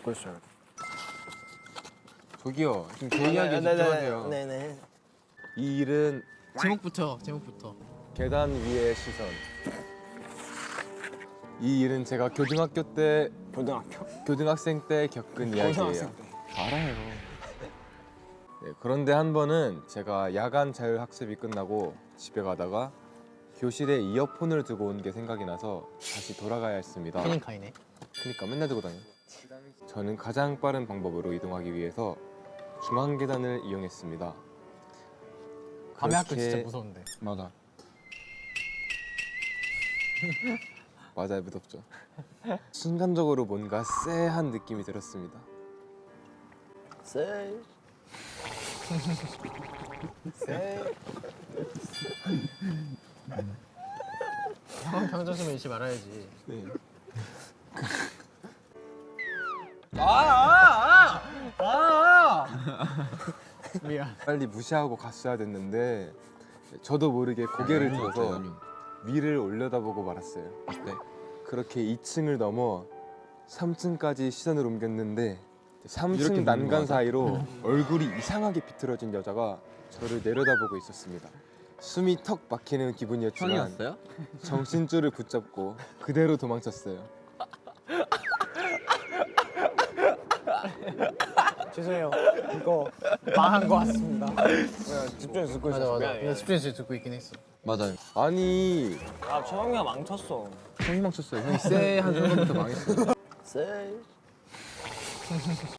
듣고 있어요. 저기요, 지금 제 이야기 집중하세요. 네네. 이 일은 제목부터. 계단 위의 시선. 이 일은 제가 고등학교 때 교등학생 때 겪은 이야기예요. 고등학생 때. 알아요. 네, 그런데 한 번은 제가 야간 자율학습이 끝나고 집에 가다가 교실에 이어폰을 두고 온 게 생각이 나서 다시 돌아가야 했습니다. 팬인카이네. 그러니까 맨날 두고 다녀. 저는 가장 빠른 방법으로 이동하기 위해서 중앙 계단을 이용했습니다. 밤에 학교 그렇게- 진짜 무서운데. 맞아. 맞아요, 무섭죠. 순간적으로 뭔가 쎄한 느낌이 들었습니다. 세. 세. 형 평소심을 잃지 말아야지. 네. 미안. 빨리 무시하고 갔어야 됐는데 저도 모르게 고개를 들어서 위를 올려다보고 말았어요. 네. 그렇게 2층을 넘어 3층까지 시선을 옮겼는데 3층 난간 사이로 얼굴이 이상하게 비틀어진 여자가 저를 내려다보고 있었습니다. 숨이 턱 막히는 기분이었지만 형이었어요? 정신줄을 붙잡고 그대로 도망쳤어요. 죄송해요. 이거 망한 거 같습니다. 집중해서 듣고 맞아 있었어. 맞아. 미안해. 나 집중해서 듣고 있긴 했어. 맞아요. 아니 아 최영이가 망쳤어. 형이 망쳤어요. 형이 쎄한 순간부터 망했어요. 세.